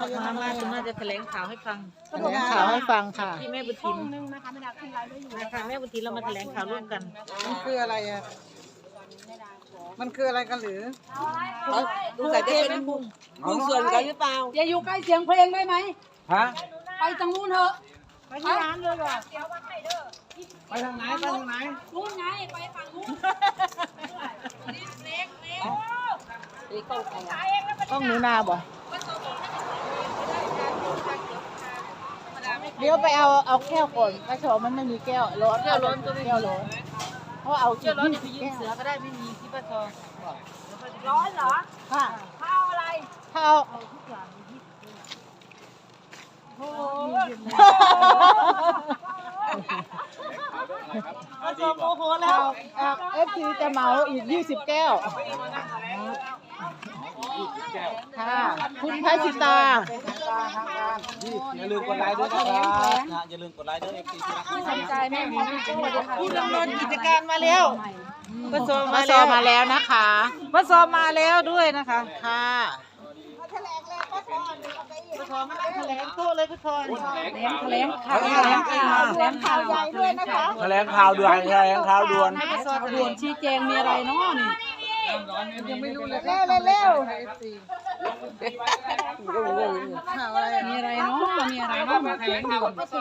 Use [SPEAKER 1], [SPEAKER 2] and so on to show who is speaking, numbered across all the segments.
[SPEAKER 1] มาจะมาจะแถลงข่าวให้ฟัง
[SPEAKER 2] แถลงข่าวให้ฟังค่ะ
[SPEAKER 1] ที่แม่บุญ
[SPEAKER 3] ช่
[SPEAKER 1] ทิ
[SPEAKER 3] อง
[SPEAKER 1] น
[SPEAKER 3] นึงนะคะไม่ได้ขึ้นไลฟ์ด้วยอยู่
[SPEAKER 1] นะคะแม่บุญทินเรามาแถลงข่าวร่วมกัน
[SPEAKER 2] มันคืออะไรอ่ะมันคืออะไรกันหรือ
[SPEAKER 1] ดูใส่จะเป็นหุ้นส่วนกันหรือเปล่า
[SPEAKER 3] อย่าอยู่ใกล้เสียงเพลงได้ไหม
[SPEAKER 4] ฮะ
[SPEAKER 3] ไปทางนู้นเถอะ
[SPEAKER 1] ไปที่ร้านเลยเหรอ
[SPEAKER 4] ไปทางไหนไปทางไหน
[SPEAKER 3] นู้นไงไปฝั่งนู้น
[SPEAKER 2] ต้องหนูนาบ่เดี๋ยวไปเอาแก้วก่อนกระชอมันไม่มีแก้วร้อนแก้วร้อนก็ไม่แก้วร้อนเพราะเอา
[SPEAKER 1] เชื่อร้อนอย่าไปยืมเสือก็ได้ไม่มีที่ป้าทอง
[SPEAKER 3] ร้อนเหรอ
[SPEAKER 2] ค่ะ
[SPEAKER 3] ข้าวอะไร
[SPEAKER 2] ถ้าเอา
[SPEAKER 3] โอ้โห
[SPEAKER 2] เอาโมโหแล้วFTจะเหมาอีก20แก้วค่ะคุณพัชิตา
[SPEAKER 4] อย่าลืมกดไลค์ด้วยนะครับอย่าลืมกดไลค์ด้วยFTที่รัก
[SPEAKER 3] สนใจแม่หมอนี่จังเลยค่ะ
[SPEAKER 1] ผู้ดำเนินกิจการมาแล้วป้าซอ
[SPEAKER 2] มาซอมาแล้วนะคะ
[SPEAKER 1] ป้าซอมาแล้วด้วยนะคะ
[SPEAKER 2] ค่ะ
[SPEAKER 1] ป้าซอมานั่งแถลงโต๊ะเลยป้าซอ
[SPEAKER 3] แถลงข่าวแถลงข่าวใหญ่ด้วยนะคะ
[SPEAKER 4] แถลงข่าวด่วนแถลงข่าวด่วน
[SPEAKER 3] ด่วนชี้แจงมีอะไรเนาะนี่
[SPEAKER 2] ยังไม่รู้เลยเร็วเร็วข่าวอะไร
[SPEAKER 3] มีอะไรเนาะมีอะไรเนาะมาแถลงข่าว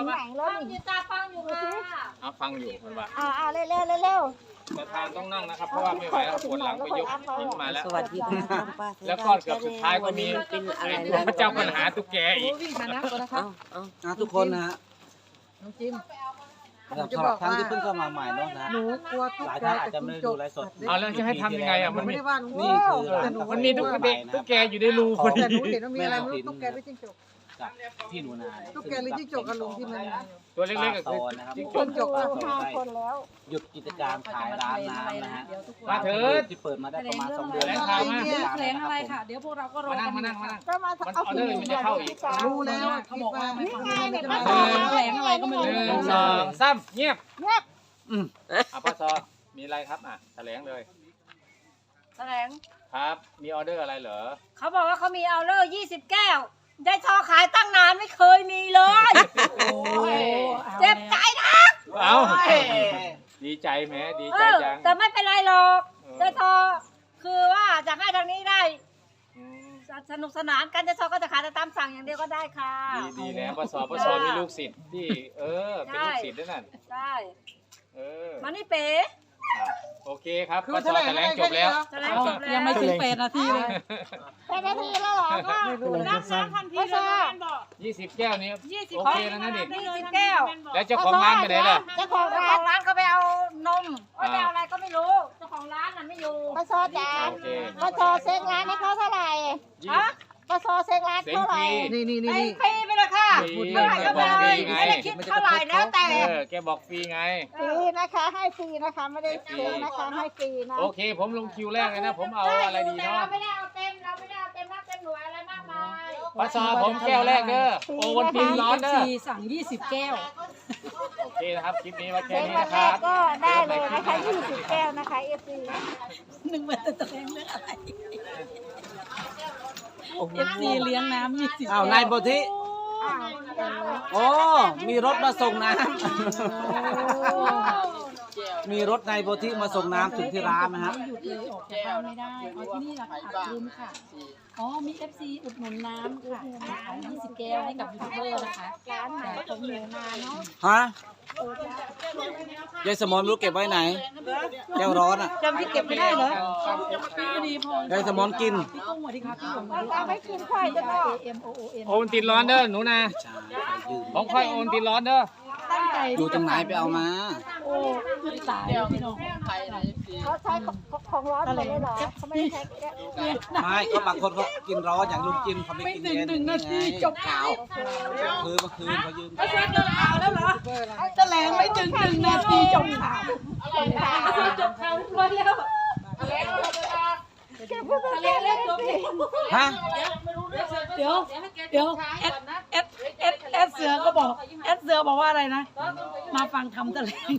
[SPEAKER 5] ฟังอยู่มันว่า
[SPEAKER 2] เร็วเร็ว
[SPEAKER 5] ประธานต้องนั่งนะครับ เพราะว่าไม่ไหวแล้วปวดหลังไปยกหินมาแล้ว
[SPEAKER 1] สวัสดีค่ะป้า
[SPEAKER 5] แล้วก็เกือบสุดท้ายก็มีพระเจ้าปัญหาตุ๊กแกอีก
[SPEAKER 3] วิ่งมานะก่อนนะคะ
[SPEAKER 4] ทุกคนนะฮะ
[SPEAKER 2] น้องจิม
[SPEAKER 4] สำหรับท่านที่เพิ่งเข้ามาใหม่เนาะนะ
[SPEAKER 2] หนูกลัวทุก
[SPEAKER 4] หลาย
[SPEAKER 2] ใจ
[SPEAKER 4] ท่านอาจ
[SPEAKER 2] แต่
[SPEAKER 4] จะไม่
[SPEAKER 2] จิ้ง
[SPEAKER 4] ได้
[SPEAKER 2] จ
[SPEAKER 4] ดู
[SPEAKER 2] ก
[SPEAKER 4] ไลฟ์สด
[SPEAKER 5] เอาแล้วจะให้ทำยังไงอ่ะมัน
[SPEAKER 2] ไม่
[SPEAKER 5] มี
[SPEAKER 2] ได้ว่าหนู
[SPEAKER 4] นี่คือร้าน
[SPEAKER 5] มันมีตุ๊กแกอยู่ในรูพอ
[SPEAKER 2] แต่
[SPEAKER 5] ดี
[SPEAKER 2] หนูเห็นว่ามีอะไรไม่รู้ตุ๊กแกหรือจิ้งจก
[SPEAKER 4] กับพี่หนูนา
[SPEAKER 2] ตุ๊กแกหรือจิ้งจกกันลุงที่มัน
[SPEAKER 5] ตัวเล็กๆก็
[SPEAKER 4] ซ
[SPEAKER 5] คือ
[SPEAKER 4] อนนะครับ
[SPEAKER 5] จิ้งจ
[SPEAKER 2] จิ้
[SPEAKER 5] ก
[SPEAKER 2] งจกอะ
[SPEAKER 4] หยุดกิจการขายร้านน้ำนะฮะ
[SPEAKER 5] มาเถิด
[SPEAKER 4] ที่เปิดมาได้ประมาณ2 เดือน
[SPEAKER 5] แถลงข่าวมา
[SPEAKER 3] แถลงอะไรค่ะ เดี๋ยวพวกเราก็รอ
[SPEAKER 5] มานั่ง
[SPEAKER 3] กัน
[SPEAKER 5] มานั่งมันออเดอร์มันจะเข้าอีก
[SPEAKER 2] รู้แล้ว
[SPEAKER 3] เขาบอกว่าไม่
[SPEAKER 2] คิด
[SPEAKER 3] ฟัง
[SPEAKER 2] ว่า
[SPEAKER 3] แถลงอะไรก็ไม่รู้
[SPEAKER 5] หนึ่งสองสามเงียบป้าซอมีอะไรครับแถลงเลย
[SPEAKER 6] แถลง
[SPEAKER 5] ครับ มีออเดอร์อะไรเหรอ
[SPEAKER 6] เขาบอกว่าเขามีเอาเลอร์20 แก้ว ได้ทอขายตั้งนานไม่เคยมีเลย เจ็บใจนะ
[SPEAKER 5] เอาดีใจแม้ดีใจจัง
[SPEAKER 6] แต่ไม่เป็นไรหรอกได้ทอคือว่าจะให้ทางนี้ได้
[SPEAKER 5] อืม
[SPEAKER 6] สนุกสนานกันจะทอก็จะขายแต่ตามสั่งอย่างเดียวก็ได้ค่ะ
[SPEAKER 5] ดีแล้วป้าซอมีลูกศิษย์ที่เป็นลูกศิษย์ด้วยนั่น
[SPEAKER 6] ใช่
[SPEAKER 5] มา
[SPEAKER 6] นี่เป๋
[SPEAKER 5] โอเคครับ
[SPEAKER 2] คือ
[SPEAKER 5] ป้าซ
[SPEAKER 2] แถ
[SPEAKER 5] อ
[SPEAKER 2] ลง
[SPEAKER 5] แถลง
[SPEAKER 2] อะไร
[SPEAKER 5] จบแล้ว
[SPEAKER 6] แถลงจบแล้ว
[SPEAKER 3] ยังไม่ถึง8 นาทีเลย
[SPEAKER 2] ไม่รู้เลย
[SPEAKER 5] 20 แก้วนี้โอเคแล้วนะดิ
[SPEAKER 6] 20 แก้ว
[SPEAKER 5] แล้วเจ้าของร้านไปไหนล่ะ
[SPEAKER 6] เจ้าของร้านเขาไปเอานมไปเอาอะไรก็ไม่รู้เจ้าของร้านน่ะไม่อยู่
[SPEAKER 7] ปะซอจ๋า
[SPEAKER 5] โอเค
[SPEAKER 7] ปะซอเซ็งร้านให้เขาเท่าไหร่
[SPEAKER 6] ฮะ
[SPEAKER 7] ปะซอเซ็งร้าน
[SPEAKER 5] เซ็ง
[SPEAKER 7] เท่าไห
[SPEAKER 5] ฟ
[SPEAKER 7] ร่
[SPEAKER 5] รี
[SPEAKER 2] นี่
[SPEAKER 6] ไอ้ฟรีไปเลยค่ะ
[SPEAKER 5] ฟรี
[SPEAKER 6] เท่าไหร่ก็ไปเลยไม่ได้คิดเท่าไหร่แล้วแต่
[SPEAKER 5] แกบอกฟรีไง
[SPEAKER 7] ฟรีนะคะ ให้ฟรีนะคะ ไม่ได้เซ็งนะคะ ให้ฟรีนะ
[SPEAKER 5] โอเค ผมลงคิวแรกเลยนะ ผมเอาอะไรดี
[SPEAKER 6] แต่
[SPEAKER 5] เนาะ
[SPEAKER 6] เราไม่ได้เอาเต็มเราไม่ได้เอาเต็มนับเต็มหน่วยอะไรมากมาย
[SPEAKER 5] ป้าซอผมแก้วแรกเด้อโอวันตินร้อนเด้อ
[SPEAKER 3] สั่ง20 แก้ว
[SPEAKER 5] โอเคนะครับ คลิปนี้มาแค่
[SPEAKER 7] เซ็ง
[SPEAKER 5] นี้
[SPEAKER 7] วัน
[SPEAKER 5] นะค
[SPEAKER 7] แร
[SPEAKER 5] รั
[SPEAKER 7] ก
[SPEAKER 5] บ
[SPEAKER 7] ก็ได้เลยนะคะ20แก้วนะคะ FC
[SPEAKER 3] นึกว่าจะแถลงเรื่องอะไร FC เลี้ยงน้ำ20
[SPEAKER 4] อ้าวนายโพธิโอ้มีรถมาส่งน้ำมีรถนายโพธิมาส่งน้ำถึงที่ร้านนะฮะ
[SPEAKER 3] หยุดเลยออกจากบ้านไม่ได้เอาที่นี่ราคาลืมค่ะ อ๋อ มี FC อุดหนุนน้ำค่ะขาย20 แก้วให้กับยูทูบเบอร์นะคะ
[SPEAKER 7] ร้านไหนผมเหนือนาเนาะ
[SPEAKER 4] ฮะยายสมอนรู้เก็บไว้ไหนแก้วร้อนอ่ะ
[SPEAKER 1] จำที่เก็บไม่ได้เหรอ
[SPEAKER 3] พี่ดีพอย
[SPEAKER 4] ายสมอนกิน
[SPEAKER 3] พี่กุ้งสวัสดีครับพี่หลง
[SPEAKER 7] เอาไปกินค่อยจะบอก
[SPEAKER 3] AMOON
[SPEAKER 5] โอวันตินร้อนเด้อหนูนะ
[SPEAKER 4] ใช่ไปยืม
[SPEAKER 5] ของค่อยโอวันตินร้อนเด้อ
[SPEAKER 3] ตั้งใจ
[SPEAKER 4] อยู่ตรงไหนไปเอามา
[SPEAKER 3] โอ้ตายพี่น้อง
[SPEAKER 7] เขาใช้ของร้อนหมดเลยเหรอเขาไม่ได้ใช้แก้ว
[SPEAKER 4] ไม่ก็บางคนเขากินร้อนอย่างลุงจิมเขาไม่
[SPEAKER 3] ไม่
[SPEAKER 4] กิน
[SPEAKER 3] ถึง
[SPEAKER 4] เย็น
[SPEAKER 3] 1 นาทีจบข่าว
[SPEAKER 4] คือเมื่อคืนเขายืม
[SPEAKER 3] แล้วเหรอแถลงไม่ถึง1 นาทีจบข่าวจบข่าวเรียบร้อยแล้ว
[SPEAKER 4] ฮะ
[SPEAKER 3] เดี๋ยวเอสเสือก็บอกเอสเสือบอกว่าอะไรนะ มาฟังคำแถลง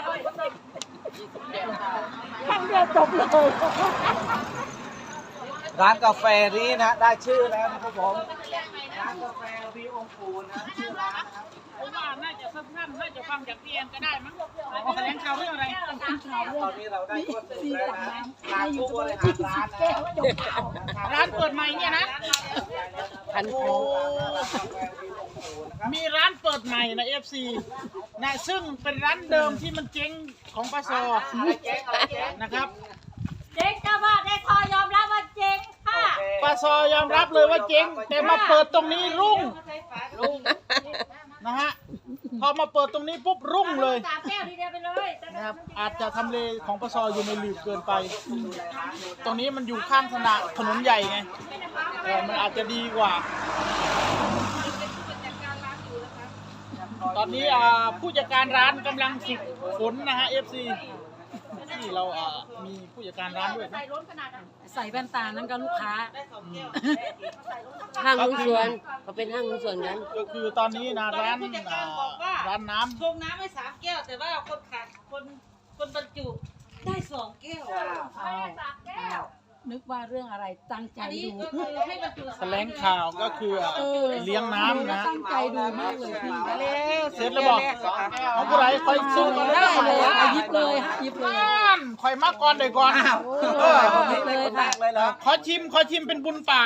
[SPEAKER 7] ครั้งเดียวจบเลย
[SPEAKER 4] ร้านกาแฟนี้นะได้ชื่อแล้วนะครับผมร้านกาแฟวิวองค์ปู่นะชื่อร้านนะครับ
[SPEAKER 2] ผมว่าน่าจะสั้นๆน่าจะฟังจากพี่แอนก็ได้มั้งแถลงข่าวเรื่องอะไร
[SPEAKER 4] ตอนนี้เราได้ควบคุมแล้วนะทางผู้บริหารร้านนะ
[SPEAKER 2] ร้านเปิดใหม่เนี่ยนะ
[SPEAKER 1] พันโค
[SPEAKER 2] มีร้านเปิดใหม่นะ FC นะซึ่งเป็นร้านเดิมที่มันเจ๊งของปสนะครับ
[SPEAKER 6] เจ๊งจ้าว่าได้ทอยอมรับว่าเจ๊งค่ะ
[SPEAKER 2] ปสยอมรับเลยว่าเจ๊งแต่มาเปิดตรงนี้รุ่งนะฮะพอมาเปิดตรงนี้ปุ๊บรุ่งเลย
[SPEAKER 6] 3 แก้วทีเดียวไปเลย
[SPEAKER 2] นะครับอาจจะทำเลของปสอยู่ในหลืบเกินไป ตรงนี้มันอยู่ข้างถนนใหญ่ไงมันอาจจะดีกว่า ตอนนี้ผู้จัดการร้านกำลังฝึกฝนนะฮะ FC ที่เรามีผู้จัดการร้านด้วยนะ
[SPEAKER 3] ใส่แว่นตานั่นก็ลูกค้า
[SPEAKER 1] ห้างหุ้นส่วนเขาเป็นห้างหุ้นส่วนกัน
[SPEAKER 2] ก็คือตอนนี้นะร้านร้านน้
[SPEAKER 8] ชงน้ำให้3 แก้ว แต่ว่าคนขาดคนบรรจุได้2 แก้ว
[SPEAKER 3] นึกว่าเรื่องอะไรตั้งใจ
[SPEAKER 8] อันนี้
[SPEAKER 3] ดู
[SPEAKER 8] ก็คือให้บรรจุ
[SPEAKER 2] ำแถลงข่าวก็คือเลี้ยงน้ำนะ
[SPEAKER 3] ตั้งใจดูมากเลยพี่
[SPEAKER 2] เสร็จแล้วบอกเอาผู้ใดคอยสู้กัน
[SPEAKER 3] ได้
[SPEAKER 2] ได้
[SPEAKER 3] เลยค่ะหยิบเลยค่ะหยิบเลย
[SPEAKER 2] นั่นคอยมาก่อนเดี๋ยวก่อน
[SPEAKER 3] หยิบเลยค่ะ
[SPEAKER 4] เลยเหรอ
[SPEAKER 2] ขอชิมเป็นบุญปาก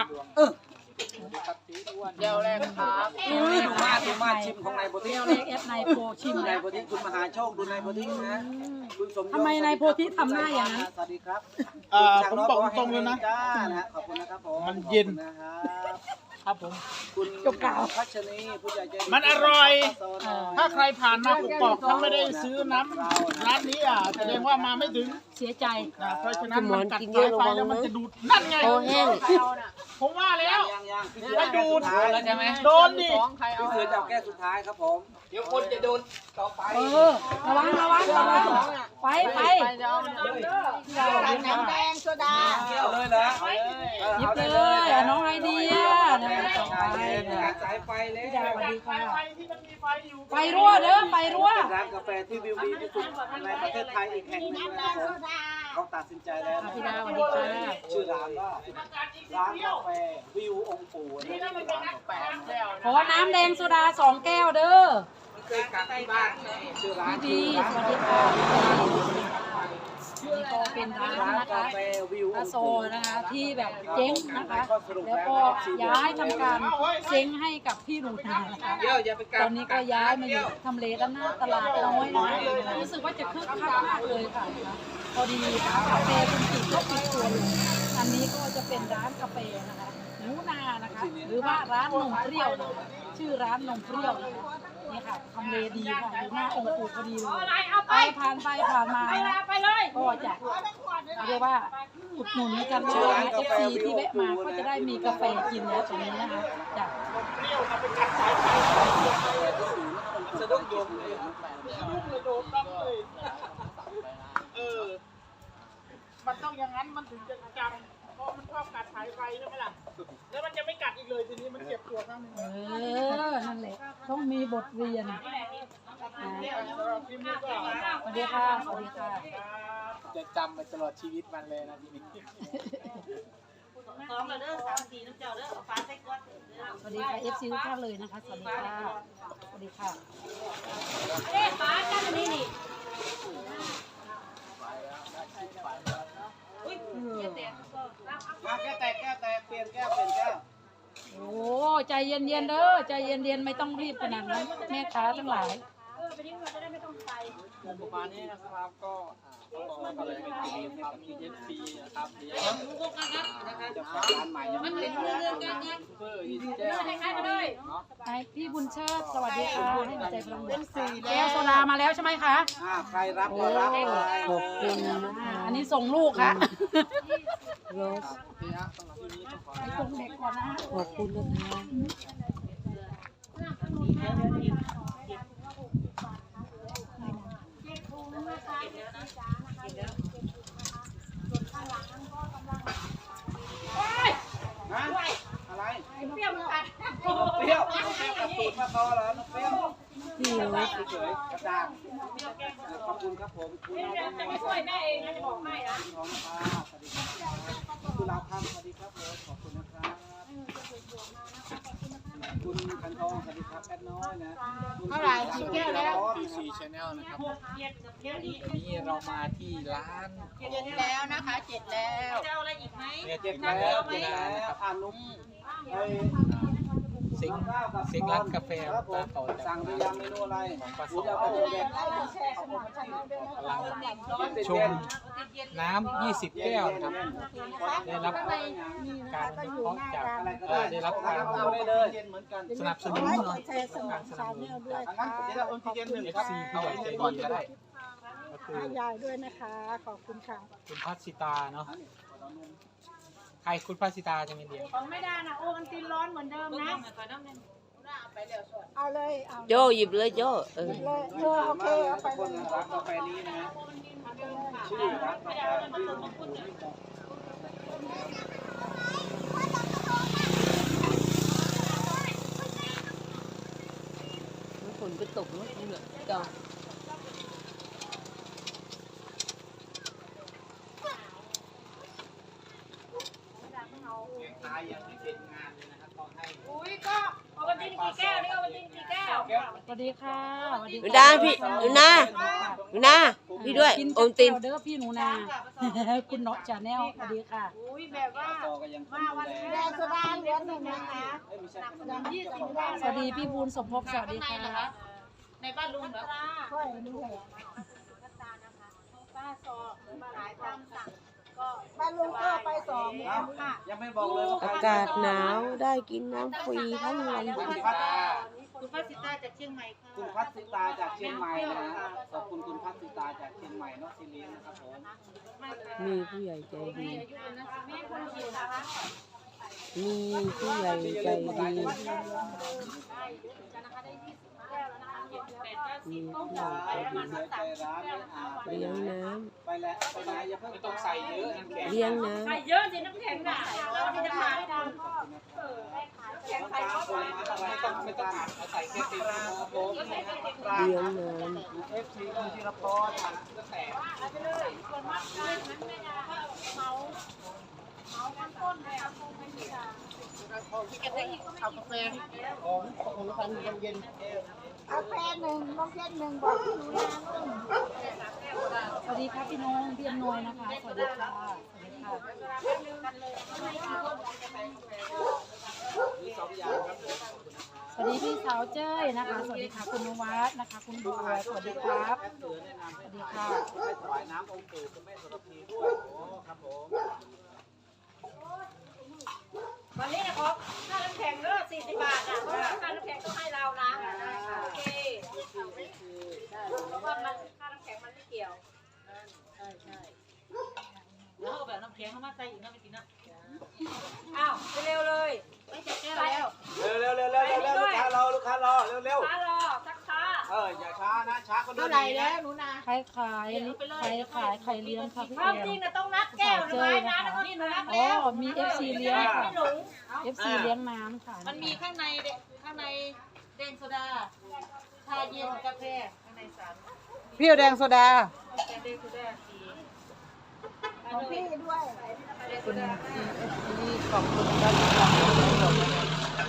[SPEAKER 4] ดูมาชิมของนายโพธิ
[SPEAKER 3] เรียวเล็กเอฟนายโพชิม
[SPEAKER 4] นา
[SPEAKER 3] แล้
[SPEAKER 4] ยว โพธิคุณมหาโชคดูนายโพธินะคุณสมยศ
[SPEAKER 3] ทำไมนายโพธิทำหน้าอย่างนั้น
[SPEAKER 4] สวัสดีครับ
[SPEAKER 2] ผมบอกตรงเลยนะ
[SPEAKER 4] จ้านะขอบคุณนะครับผม
[SPEAKER 2] มันเย็น
[SPEAKER 4] นะครับ
[SPEAKER 2] ครับผม
[SPEAKER 4] คุณพัชนีผู้ใหญ่ใจดี
[SPEAKER 2] มันอร่อย ถ้าใครผ่านมากุกอกถ้าไม่ได้ซื้อน้ำร้านนี้แสดงว่ามาไม่ถึง
[SPEAKER 3] เสียใจ
[SPEAKER 2] นะเพราะฉะนั้นมันกัดสายไฟแล้วมันจะดูดนั่นไง
[SPEAKER 1] โอแห้ง
[SPEAKER 2] ผมว่าแล้ว
[SPEAKER 4] ยังพี่
[SPEAKER 2] ไม่ดูด
[SPEAKER 4] แล้วใช่ไหม
[SPEAKER 2] โดนดิ
[SPEAKER 4] พี่เสือจะเอาแก้วสุดท้ายครับผม เดี๋ยวคนจะโดนต่อไป
[SPEAKER 3] ระวังไป
[SPEAKER 2] เ
[SPEAKER 7] น้ำแดงโซดา
[SPEAKER 4] เอาเลยเหรอ
[SPEAKER 3] หยิบเลยน้องไอเดียต่อไป
[SPEAKER 4] สายไฟเลย
[SPEAKER 3] สวัสดีค่ะ
[SPEAKER 2] ไฟที่มันมีไฟอยู่
[SPEAKER 3] ไฟรั่วเด้อไฟรั่ว
[SPEAKER 4] ร้านกาแฟที่วิวดีที่สุดในประเทศไทยอีกแห่งหนึงนะครับผมเขาตัดสินใจแล้วนะ
[SPEAKER 3] พี่ดาสวัสดีค่ะ
[SPEAKER 4] ชื่อร้านว่าร้านกาแฟวิวองค์ปู่นี่ร้านกาแฟ
[SPEAKER 3] ขอน้ำแดงโซดา2 แก้วเด้อ
[SPEAKER 4] เคยกลับที่บ้านชื่อร้าน
[SPEAKER 3] ดีสวัสดีค่ะนี่ก็เป็นร้าน
[SPEAKER 4] ร้าน
[SPEAKER 3] นะ
[SPEAKER 4] กา
[SPEAKER 3] คะ
[SPEAKER 4] แฟวิว
[SPEAKER 3] อาโซนะคะที่แบบเจ๊งนะคะ แล้วก็ย้ายทำการเซ้งให้กับพี่หนูนานะคะตอนนี้ก็ย้ายมาอยู่ทำเลด้านหน้าตลาดน้อยนะคะรู้สึกว่าจะคึกคักมากเลยค่ะพอดีคาเฟ่คุณจิ๋ก็ปิดตัวลงอันนี้ก็จะเป็นร้านกาแฟนะคะหนูนานะคะ หรือว่าร้านนมเปรี้ยวนะคะชื่อร้านนมเปรี้ยวนะคะนี่ค่ะทำเลดีค่ะอยู่หน้าองค์ปู่พอดีเลยไปผ่านมานะ
[SPEAKER 6] ไปเลย
[SPEAKER 3] ก็จะเรียกว่าอุดหนุนกันเลยนะ FC ที่แวะมาก็จะได้มีกาแฟกินแล้วตรงนี้นะคะจ้ะ
[SPEAKER 4] สะดุ้งโยมเลย
[SPEAKER 2] มันต้องอย่างนั้นมันถึงจะจำเพราะมันชอบกัดสายไฟใช่ไหมล่ะแล้วมันจะไม่กัดอีกเลยทีนี้มันเจ็บตัวครั้งนึง
[SPEAKER 3] นั่นแหละต้องมีบทเรียน
[SPEAKER 2] สำหรับคลิปนี้ก็
[SPEAKER 3] สวัสดีค่ะสวัสดีค่ะ
[SPEAKER 2] จะจำไปตลอดชีวิตมันเลยนะทีนี้
[SPEAKER 8] 2แล้วเด้อ3 4น้ำเจ้าเด้อเอาฟ้าใส่ก้อน
[SPEAKER 3] สวัสดีค่ะ FC ทุกท่านเลยนะคะสวัสดีค่ะสวัสดีค่ะ
[SPEAKER 6] เอ๊ะป้าจ้ามันนี่นี่
[SPEAKER 4] มาแก้วแตกเปลี่ยนแก้ว
[SPEAKER 3] โอ้ใจเย็นๆเด้อใจเย็นๆไม่ต้องรีบขนาดนั้นแม่ค้าทั้งหลาย
[SPEAKER 6] ไปนี่เราจะได้ไม่ต้องใส่
[SPEAKER 5] ประมาณนี้นะครับก็ก็เลยเป็นทีมทำมีFC นะครับเดี๋ยว
[SPEAKER 4] จะฝากร้านใหม่ยังไม่ได้
[SPEAKER 5] เพื่อ20 แก้ว
[SPEAKER 6] ให้ใครมาเลย
[SPEAKER 3] ไอพี่บุญเชิดสวัสดีค่ะให้หัวใจพลังบวกแก้วโซดามาแล้วใช่ไหมคะ
[SPEAKER 4] ใครรับก็รับเลย
[SPEAKER 1] ขอบคุณนะ
[SPEAKER 3] อันนี้ส่งลูกค่ะ
[SPEAKER 1] โรส
[SPEAKER 3] ไปส่งเด็กก่อนนะ
[SPEAKER 1] ขอบคุณนะคะ
[SPEAKER 4] อะไร
[SPEAKER 6] เปรี้ยวมันกัด
[SPEAKER 4] เปรี้ยวกับตูดมะกอเหรอน้องเปรี้ยว
[SPEAKER 1] พี่นุช
[SPEAKER 4] เฉยๆกระดาษขอบคุณครับผมคุณน้อง
[SPEAKER 6] จะไม่ช่วยแม่เองนะจะบอกให้นะ
[SPEAKER 4] น้องพาสวัสดีครับคุณลาพันสวัสดีครับผมขอบคุณนะครับคุณคันทองสวัสดีครับแอดน้อยนะ
[SPEAKER 2] เท่าไหร่กี่แก้วแล้ว
[SPEAKER 4] PC Channel นะครับ
[SPEAKER 5] นี่เรามาที่ร้าน
[SPEAKER 1] เจ็ดแล้วนะคะเจ็ดแล้ว
[SPEAKER 8] จะเอาอะไรอีกไหม
[SPEAKER 5] เนี่ย
[SPEAKER 4] เจ็
[SPEAKER 5] เจ็
[SPEAKER 4] บบ
[SPEAKER 5] แล้
[SPEAKER 4] แล้ว
[SPEAKER 5] ว
[SPEAKER 4] เจ็บแล้วอ่านลุง
[SPEAKER 5] ซิงซิงร้านกาแฟ
[SPEAKER 4] ครับผม
[SPEAKER 5] ต่อจาก
[SPEAKER 4] สั่งหรือยังเมนูอะไร
[SPEAKER 5] ของปลา
[SPEAKER 4] หรื
[SPEAKER 5] ส
[SPEAKER 4] อ
[SPEAKER 5] อ
[SPEAKER 4] จะเอาไปแดง
[SPEAKER 5] กำลังชมน้ำ20 แก้วนะครับได้รับการวิเคราะห์จากได้รับการ
[SPEAKER 4] เอาได้เลยเหมือนกัน
[SPEAKER 5] สนับสนุน
[SPEAKER 7] แชร์ส่ง
[SPEAKER 5] การสนับสนุนจาก
[SPEAKER 4] งั้นเดี๋ยวเราเอาที่เย็นหนึ่งครับ
[SPEAKER 5] FC ผู้ใหญ่ใจดีก็ได้ก็คือ
[SPEAKER 7] ให้ยายด้วยนะคะ ขอบคุณค่ะ
[SPEAKER 5] คุณพัชสิตาเนาะใครคุณพัชสิตาจะเป็นเดียว
[SPEAKER 6] ของไม่ได้นะโอ้มันกินร้อนเหมือนเดิมนะ
[SPEAKER 7] เอาเลยเอา
[SPEAKER 1] โจหยิบเลยโจเออ
[SPEAKER 7] เลยโอเคเอาไป
[SPEAKER 4] คน
[SPEAKER 7] เลย
[SPEAKER 4] ร้านกาแฟนี้นะชื่อร้านกาแฟชื่อของคุณ
[SPEAKER 1] ฝนก็ตกเนาะนี่แหละจ้ะ
[SPEAKER 4] ตายยังไม่เป็นงานเลยนะครับต้องให้
[SPEAKER 6] อุ้ยก็เอาไปกินกี่แก้วนี่เอาไปกินกี่แก้ว
[SPEAKER 3] สวัสดีค่ะสวัสดี
[SPEAKER 1] หนูนาพี่หนูนาหนูนาพี่ด้วย
[SPEAKER 3] กิน
[SPEAKER 1] โอมติน
[SPEAKER 3] เด้อพี่หนูนา คุณเนาะชาแนลสวัสดีค่ะ
[SPEAKER 6] อุ้ยแบบว่า
[SPEAKER 4] ต่อก็ยังมาวันนี้
[SPEAKER 7] แดงโซดาเหลือหนึ่งนะคะ
[SPEAKER 4] ไม่ใช่ขนมยี่สิบ
[SPEAKER 3] สวัสดีพี่บูลสมภพสวัสดีค่ะ
[SPEAKER 8] ในบ้านลุงเหรอ
[SPEAKER 7] ค่อยนี่แหละ
[SPEAKER 6] ป้าซอหรือมาหลายตามสั่งก็
[SPEAKER 7] บ้านลุงก็ไปสองแล้ว
[SPEAKER 6] ค่ะ
[SPEAKER 4] ยังไม่บอกเลย
[SPEAKER 1] อากาศหนาวได้กินน้ำฟรีทั้งวัน
[SPEAKER 4] คุณพัฒ
[SPEAKER 8] คุณป้าสิตาจากเชียงใหม่ค่ะ
[SPEAKER 4] คุณพัฒสิตาจากเชียงใหม่นะขอบคุณคุณพัฒสิตาจากเชียงใหม่เนาะซีเรียนะครับผม
[SPEAKER 1] มีผู้ใหญ่ใจดี
[SPEAKER 6] แม่คนเดียวนะคะ
[SPEAKER 1] มีผู้ใหญ่ใจดีมีผู้ใหญ่ใจดี
[SPEAKER 4] เลี้ยงน้ำไปแล้วไปไหนอย่าเพิ่ง
[SPEAKER 5] ไม่ต้องใส่เยอะน้ำแข็ง
[SPEAKER 1] เลี้ยงน้
[SPEAKER 6] ใส่เยอะสิน้ำแข็งน่ะเราจะขายกันแข็งใส่ก็ไป
[SPEAKER 5] ไม่ต้องอัดเอาใส่แค่ตี
[SPEAKER 4] ครับผม
[SPEAKER 1] ำเลี้ยงน้
[SPEAKER 4] เอฟซีคุณธีรพร
[SPEAKER 5] ก็แตก
[SPEAKER 2] เอากาแฟ
[SPEAKER 4] ของพันเย็น
[SPEAKER 7] เอาแฟนหนึ่งน้องเย็นหนึ่งบอกพี่หนูนานุ่ม
[SPEAKER 3] สวัสดีค่ะพี่น้องพี่อำนวยนะคะสวัสดีค่ะสวัสดีค่ะ
[SPEAKER 4] มี2อย่างครับ
[SPEAKER 3] สวัสดีพี่สาวเจ้ยนะคะ สวัสดีค่ะคุณนวัดนะคะ คุณบัวสวัสดีครับ
[SPEAKER 4] เสือแนะนำ
[SPEAKER 3] ส
[SPEAKER 4] ให้
[SPEAKER 3] วัสดีค่ะ
[SPEAKER 4] ให้ถวายน้ำองค์ปู่คุณแม่สุรพีด้วยโอ้ครับผม
[SPEAKER 6] วันนี้นะครบค่าน้ำแข็งเลิก40 บาทนะเพราะว่าค่าน้ำแข็งต้องให้เรานะโอเคเพราะว่ามันค่าน้ำแข็งมันไม่เกี่ยว
[SPEAKER 8] แล้วเอาแบบน้ำแข็งเข้ามาใส่อีกนะไปกินนะ
[SPEAKER 6] อ้าวไปเร็วเลย
[SPEAKER 8] ไม่จะแก้วแล้ว
[SPEAKER 4] เร็วลูกค้ารอลูกค้ารอเร็ว
[SPEAKER 6] ช้ารอสักช้า
[SPEAKER 4] อย่าช้านะช้าคนเดียว
[SPEAKER 7] เท่าไหร่แล้วหนูนา
[SPEAKER 3] ใครขายไข่เลี้ยงค่ะพี่
[SPEAKER 6] ควา
[SPEAKER 3] แอ
[SPEAKER 6] มจริง
[SPEAKER 3] ม
[SPEAKER 6] นะต้องนับแก้วหรือไม้นะแล้วก็นี่หนูนับ
[SPEAKER 3] อ๋อ
[SPEAKER 6] แล้ว
[SPEAKER 3] มี FC เลี้ยงค่ะ
[SPEAKER 6] ไม่หลง
[SPEAKER 3] FC เลี้ยงน้ำค่ะ
[SPEAKER 8] มันมีข้างในแดงโซดา ชาเย็นกาแฟข้างในสาม
[SPEAKER 2] เปรี้ยวแดงโซดา
[SPEAKER 8] แดงโซดาสี
[SPEAKER 7] ของพี่ด้วย
[SPEAKER 2] คุณ FC ขอบคุณครับที่ทำให้เราหมดนะครับ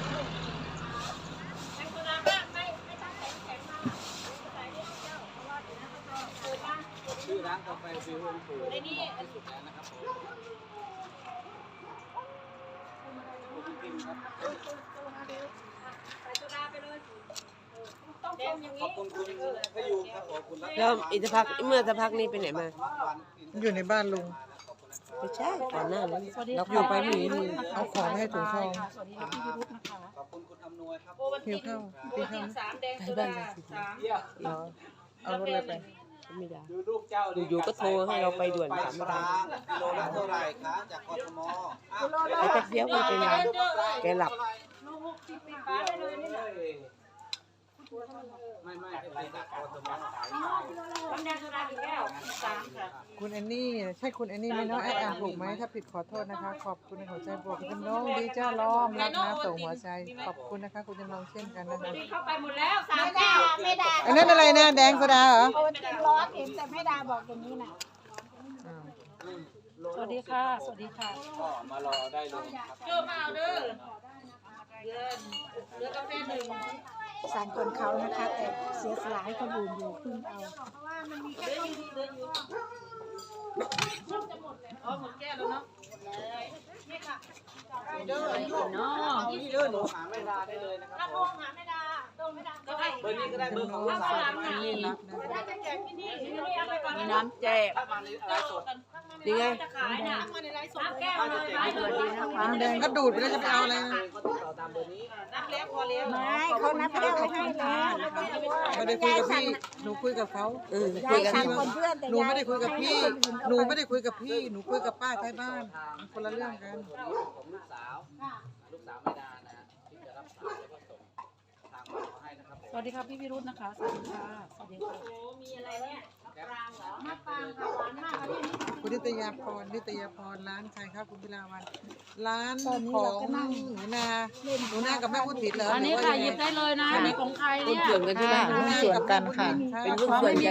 [SPEAKER 6] แข็งโซดามากไม่ต้องแข็งมากใส่นิดเดียวเพราะว่าเดี๋ยวนะเขาจะเปิดมา
[SPEAKER 4] ชื่อร้านกาแฟฟิวองค์ปู่
[SPEAKER 6] ในนี้
[SPEAKER 4] สุดแล้วนะครับผมครับ
[SPEAKER 6] ใส่โซดาไปเลยต้องต้มอย่าง
[SPEAKER 4] ขอบ
[SPEAKER 6] นี้
[SPEAKER 4] คุณคุณพยูครับผมคุณรัต
[SPEAKER 1] แล้วอีกสักพักเมื่อสักพักนี้ไปไหนมา
[SPEAKER 2] อยู่ในบ้านลุง
[SPEAKER 1] ไม่ใช่ก่อนหน้านั้น
[SPEAKER 3] สวัสดี
[SPEAKER 2] เรา
[SPEAKER 3] ค่ะ
[SPEAKER 2] อยู่ไปหนีเอาของให้ถุงทอง
[SPEAKER 3] สวัสดีค่ะพี่วิรุธนะคะ
[SPEAKER 4] ขอบคุณคุณอำนวยครับ
[SPEAKER 8] โอวัน
[SPEAKER 2] หิ
[SPEAKER 8] ติ
[SPEAKER 2] วน ข้าว
[SPEAKER 8] โอวันตินสามแดงโซดาสาม
[SPEAKER 1] เหรอ
[SPEAKER 2] เอารถเลยไป
[SPEAKER 1] ไม่ได้
[SPEAKER 4] ดูลูกเจ้า
[SPEAKER 1] อยู่ๆก็โทรให้เราไปด่วน
[SPEAKER 4] ไป
[SPEAKER 1] ถาม
[SPEAKER 4] ป
[SPEAKER 1] อะไร
[SPEAKER 4] ลากิโลละเท่าไหร่คะจากกทม
[SPEAKER 1] ไปแป๊บเดียวไม่เป็นไรแกหลับ
[SPEAKER 6] ลูก60 ปีฟ้าได้เลยนี่แหละ
[SPEAKER 1] คุณแอนนี่ใช่คุณแอนนี่ไหมเนาะแอดอ่านถูกไหมถ้าผิดขอโทษนะคะขอบคุณในหัวใจบวกคุณจำลองดีจ้าล้อมรักนะส่งหัวใจขอบคุณนะคะคุณจำลองเช่นกันนะคะ
[SPEAKER 6] เข้าไปหมดแล้ว3 แก้วไม่ได้
[SPEAKER 1] อันนั้นอะไรนะแดงโซดาเหรอ
[SPEAKER 7] โอนจริงร้อนเห็นแต่แม่ดาบอกอย่างนี้นะ
[SPEAKER 1] อ่า
[SPEAKER 3] สวัสดีค่ะ สวัสดีค่ะ
[SPEAKER 4] ก็มารอได้เลยครับ
[SPEAKER 8] เจอมาเอาเด้อเรือกาแฟหนึ่ง
[SPEAKER 7] สั่งคนเขานะคะ แต่เสียสละให้คนอื่นอยู่พึ่งเอา
[SPEAKER 8] อ๋อหมดแก้วแล้วเนาะ
[SPEAKER 4] เดินหนูหาไม่ได้เลยนะครับ
[SPEAKER 6] ถ้าโทรหาแม่ดาโทรแม่ดาก็ให้
[SPEAKER 4] เบอร์นี้ก็ได้เบอร์ของ
[SPEAKER 1] จำลอง
[SPEAKER 4] สาว
[SPEAKER 1] ฝากอันนี้รับนะ
[SPEAKER 6] ถ้าจะแจกที่นี่นี่เอาไปก่อน
[SPEAKER 1] มีน้ำแจก
[SPEAKER 4] ถ้ามาในไลฟ์สด
[SPEAKER 1] ดีไง
[SPEAKER 6] จะขายน่ะ3 แก้วเลยไปเลย
[SPEAKER 1] น้ำแดงก็ดูดไปแล้วจะไปเอาอะไรนะ
[SPEAKER 4] ก็ติดต่อตามเบอร์นี้
[SPEAKER 8] นับแล้วพอแล้ว
[SPEAKER 7] ไม่เขานับแก้วให้แล้วไม่ต้องกลัว
[SPEAKER 1] ไม่ได้คุยกับพี่หนูคุยกับเขา
[SPEAKER 7] ยายสั่งคนเพื่อนแต่
[SPEAKER 1] หนู
[SPEAKER 7] ยาย
[SPEAKER 1] ไม่ได้คุยกับพี่หนูไม่ได้คุยกับพี่หนูคุยกับป้าท้ายบ้านมันคนละเรื่องกัน
[SPEAKER 4] ของลูกสาวไม่ดานะที่จะรับสายแล้วก็ส่งทางมาให้นะครับผม
[SPEAKER 3] สวัสดีค่ะพี่วิรุธนะคะ สวัสดีค่ะ สวัสดีค่ะ
[SPEAKER 6] มีอะไรเนี่ย
[SPEAKER 7] มะปรางค่ะหวานมากค่ะที่นี่
[SPEAKER 1] คุณนิตยาพรร้านใครครับคุณพิลาวันร้านของหนูนากับแม่อุทิศเหรอ
[SPEAKER 3] อันนี้ค่ะหยิบได้เลยนะอันนี้ของใครเนี่ย
[SPEAKER 1] หนูนากับกันค่ะเป็นหุ้นส่วนกัน